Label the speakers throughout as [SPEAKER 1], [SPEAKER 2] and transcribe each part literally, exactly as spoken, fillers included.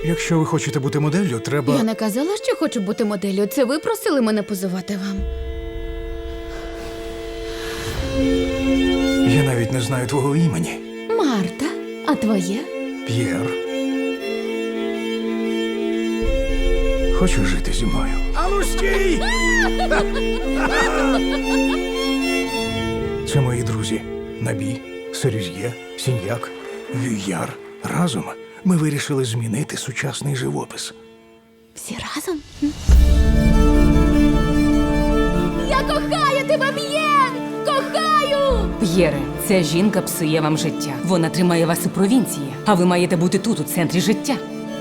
[SPEAKER 1] Якщо ви хочете бути моделлю, треба...
[SPEAKER 2] Я не казала, що хочу бути моделлю. Це ви просили мене позувати вам.
[SPEAKER 1] Я навіть не знаю твого імені.
[SPEAKER 2] Марта, а твоє?
[SPEAKER 1] П'єр. Хочеш жити зі мною? Ану, стій! Це мої друзі. Набі, Серюз'є, Сіньяк, Вюяр. Разом ми вирішили змінити сучасний живопис.
[SPEAKER 2] Всі разом? Я кохаю тебе, П'єр! Кохаю!
[SPEAKER 3] П'єре, ця жінка псує вам життя. Вона тримає вас у провінції, а ви маєте бути тут, у центрі життя.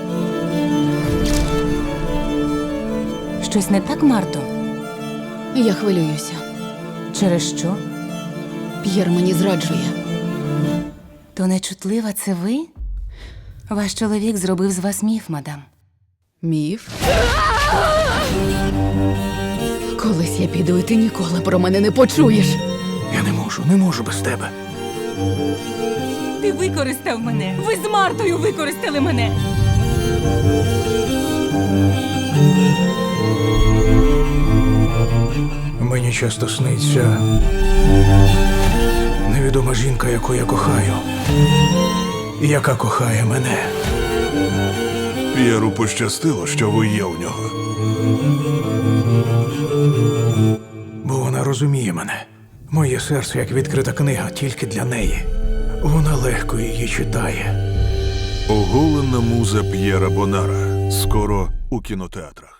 [SPEAKER 3] Щось не так, Марто?
[SPEAKER 2] Я хвилююся.
[SPEAKER 3] Через що?
[SPEAKER 2] П'єр мені зраджує.
[SPEAKER 3] То нечутлива це ви? Ваш чоловік зробив з вас міф, мадам.
[SPEAKER 2] Міф? Колись я піду, і ти ніколи про мене не почуєш.
[SPEAKER 1] Я не можу, не можу без тебе.
[SPEAKER 3] Ти використав мене! Ви з Мартою використали мене!
[SPEAKER 1] Мені часто сниться невідома жінка, яку я кохаю, і яка кохає мене.
[SPEAKER 4] П'єру пощастило, що ви є у нього.
[SPEAKER 1] Бо вона розуміє мене. Моє серце, як відкрита книга, тільки для неї. Вона легко її читає.
[SPEAKER 4] Оголена муза П'єра Бонара. Скоро у кінотеатрах.